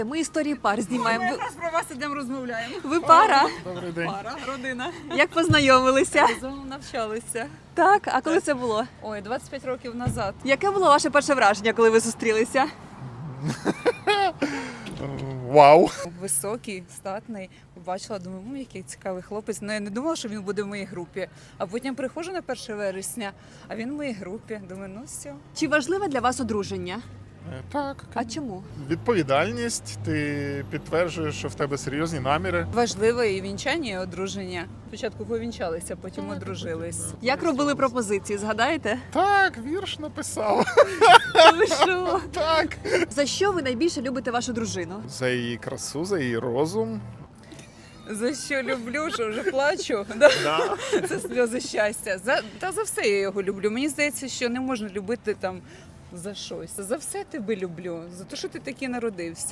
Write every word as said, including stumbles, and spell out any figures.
Ми історії пар знімаємо. Ми Ви, якраз про вас ідемо розмовляємо. ви пара? Добрий день. Пара, родина. Як познайомилися? Разом навчалися. Так, а коли це було? Ой, двадцять п'ять років назад. Яке було ваше перше враження, коли ви зустрілися? Вау. Високий, статний. Побачила, думаю, ну який цікавий хлопець. Ну я не думала, що він буде в моїй групі. А потім приходжу на перше вересня, а він в моїй групі. Думаю, ну все. Чи важливе для вас одруження? Е, Так, А чому? відповідальність, ти підтверджуєш, що в тебе серйозні наміри. Важливе і вінчання, і одруження. Спочатку повінчалися, потім одружились. Як робили пропозиції, згадаєте? Так, вірш написав. Ви що? Так. За що ви найбільше любите вашу дружину? За її красу, за її розум. За що люблю, що вже плачу. Да? Да. Це сльози щастя. За та за все я його люблю. Мені здається, що не можна любити там за щось. За все тебе люблю, за те, що ти такий народився.